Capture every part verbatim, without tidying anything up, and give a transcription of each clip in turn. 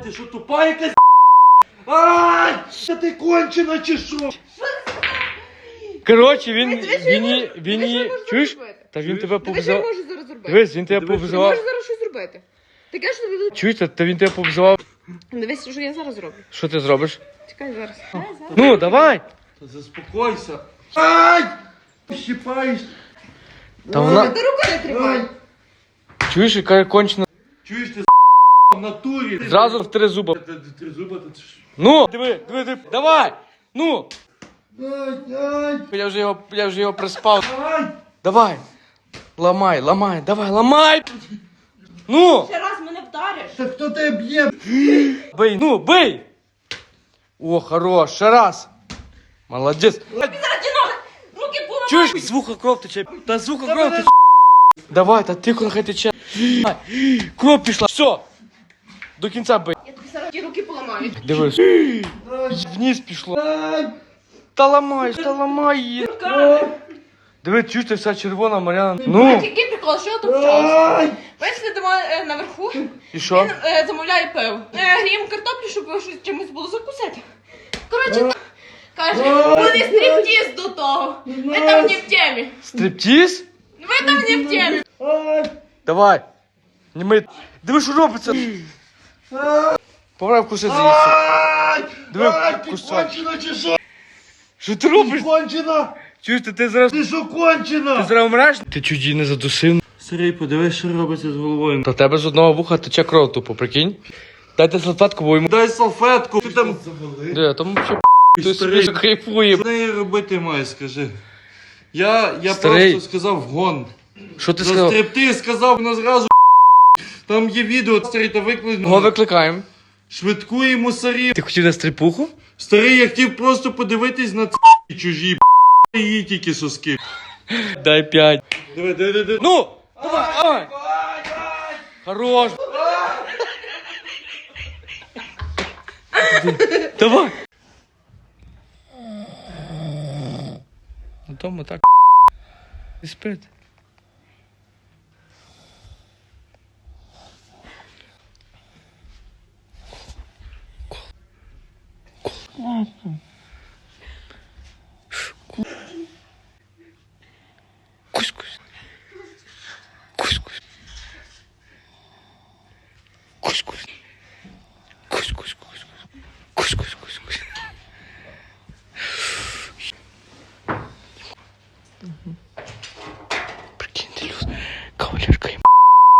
Ти що, тупа якась? Ай! Та ти кончена чи що? Коротше, він, Дивись, він, він він, може- він, дивись, він, що може чуєш? зробити. Та він Чуєш? тебе Ти що я побзав. можу зараз зробити? Дивись, він тебе Дивись, Ти побзав. можеш зараз щось зробити. Ти кажеш, що тобі... Чуєш, та, та він тебе побзав. Дивись, що я зараз зроблю. Що ти зробиш? Чекай зараз. Чекай зараз. Ну, давай. Та заспокойся. Ай! Щипаєш. Та вона, Ти руку не тримай. чуєш, яка кончена. Чуєш ти в натурі? Зразу в три зуба. Та- та- Три зуба, та ти що? Ну, диви, диви, диви, давай. Ну. Ай, ай, Я вже його, я вже його приспав. ай! Давай. Ламай, ламай, давай, ламай. Ну, Ще раз мене вдариш. Та хто тебе б'є? бий, ну, бий. О, хорош, ще раз. Молодець. Зараз ті ноги. Руки поламай. Чуєш, з вуха кров тече. Та з вуха кров тече. Давай, та тихо, нехай тече. Кров пішла. Все. До кінця бий. Я тобі зараз ті руки поламаю. Дивись. Вниз пішло. Ай! Та ламай, та ламай її. Руками. Диви, чуєш, ти вся червона, Мар'яна. А Ну, який прикол, що я тут вчалася? Ай! Бачиш, сидимо е, наверху. і що? Він е, замовляє пиво. Е, гріємо картоплю, щоб щось чимось було закусити. Коротше, каже, буде стріптіз до того. Ви там не в темі. Стриптіз? Ви там не в темі. Ай! Давай. Не ми. Диви, що робиться. Пора вкусити її. Ай! Диви, Ай, ти кусай. кончена чи що? Що ти Ти робиш? кончена? Чуєш, ти, ти зараз. Ти що кончена? Ти зараз умреш? Ти чуть її не задусив. Сергій, подивись, що робиться з головою. Та в тебе з одного вуха тече кров тупо, прикинь. Дайте салфетку, бо йому. Дай салфетку. Ти там... Де, там взагалі ти Старий. собі кайфує. Що неї робити має, скажи? Я, я Старий. просто сказав гон. Що ти За сказав? стриптиз сказав, вона зразу там є відео, старий, та Кого викликнув. викликаємо? Швидку і мусорів. Ти хотів на стрипуху? Старий, я хотів просто подивитись на ц чужі її тільки соски. Дай п'ять. Диви, диви, диви. Ну! Давай, давай! Хорош! Давай! На тому так. І спить. Кусь-кусь. Кусь-кусь. Кусь-кусь. Кусь-кусь, кусь-кусь. Кусь-кусь, кусь-кусь. Прикиньте, Люд, кавалерка їм.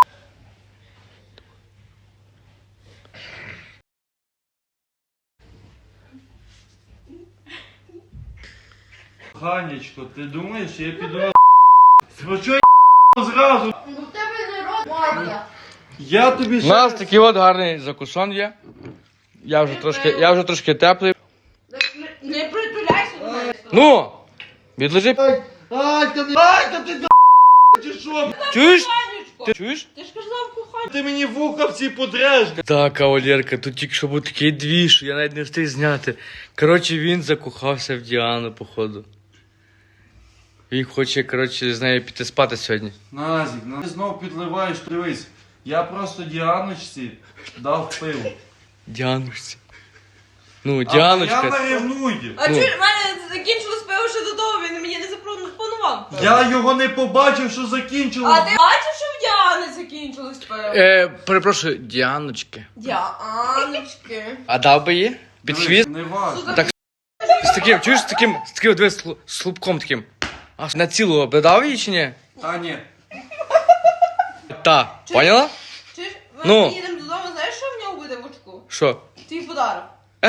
Ганечко, ти думаєш, я піду на Ну чого зразу? Ну в тебе не робота. Я тобі У ще... нас такий от гарний закусон є. Я вже трошки, я вже трошки теплий. Не притуляйся до мене. Ну! Відлежи. Ай, ай, та не... Ай, та ти до... чи що? Чуєш? Коханечко. Ти чуєш? Ти ж казав кохання. Ти мені вуха всі подреш. Так, кавалерка, тут тільки що був такий двіж, що я навіть не встиг зняти. Коротше, він закохався в Діану, походу. Він хоче, коротше, з нею піти спати сьогодні. Назік, ну ти знов підливаєш, дивись. Я просто Діаночці дав пиво. Діаночці. Ну, Я Діаночка. ревную. А Ну. чуєш, в мене закінчилось пиво ще до того, він мені не запропонував. Я його не побачив, що закінчилось. А ти бачив, що в Діани закінчилось пиво? Е, перепрошую, Діаночки. Діаночки. А дав би її? Під Дивись, хвіст? Не важно. Так, з таким, чуєш, з таким, з таким, дивись, слу- слупком таким. А на цілого би дав її чи ні? Та ні. Та, поняла? Чуєш, ми Ну. їдемо додому, знаєш, що в нього буде в очку? Що? Твій подарок.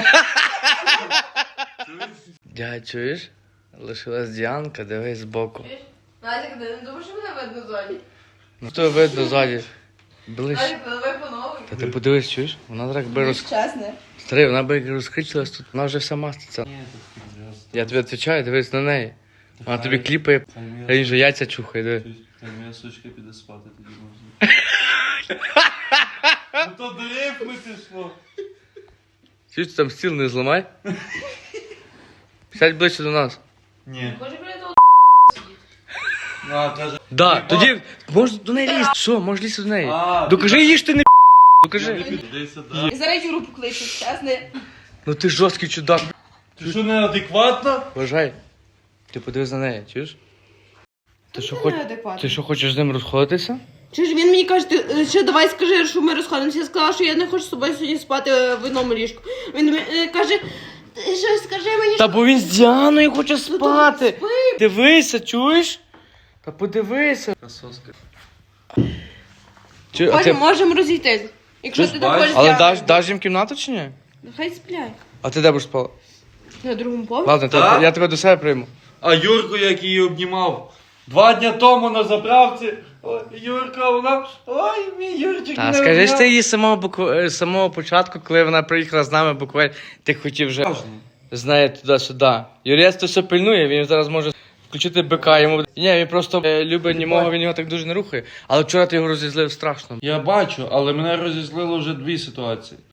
Дядь, чуєш? Лишилась Діанка, дивись збоку. Чуєш? Назік, ти не думаєш, що мене видно ззаді? Ну то видно ззаді. Ближче. Назік, давай по новій. Та ти подивись, чуєш? Вона так би роз... Чесне. Старий, вона би як розкричилась тут, вона вже вся маститься. Я тобі відповідаю, дивись на неї. Вона тобі кліпає, а він же яйця чухає, диви. Хай моя сучка піде спати, тоді можна. Ну то до рифми пішло. Чуєш, там стіл не зламай. Сядь ближче до нас. Ні. Може, біля того А, каже. Да, тоді можеш до неї лізти. Що, можеш лізти до неї. А, Докажи їй, що ти не Ну кажи. Іди сюди. І зараз Юру покличу, чесне. Ну ти жорсткий чудак. Ти що, неадекватна? Вважай. Ти подивись на неї, чуєш? Ти що, Це хоч... неадекватно. ти що хочеш з ним розходитися? Чи ж він мені каже, ти е, ще давай скажи, що ми розходимося. Я сказала, що я не хочу з тобою сьогодні спати е, в одному ліжку. Він е, каже, ти що скажи мені, Та що бо він з Діаною хоче Ну, спати. то спи. Дивися, чуєш? Та подивися. Красоска. Чи, а потім ти... можемо розійтись. Якщо Ти ти ж так бачиш? хочеш. Але я- даш, даш їм кімнату чи ні? Хай сплять. А ти де будеш спала? На другому поверсі. Ладно, Так? то я тебе до себе прийму. А Юрку, як її обнімав. Два дня тому на заправці. Ой, Юрка, вона. Ой, мій Юрчик. Та не скажи ж обняв. ти її з самого, букв... е, з самого початку, коли вона приїхала з нами буквально, ти хотів вже Важно. з нею туди-сюди. Юрець то все пильнує, він зараз може включити бика йому. Ні, він просто е, любить німого, він його так дуже не рухає. Але вчора ти його розізлив страшно. Я бачу, але мене розізлило вже дві ситуації.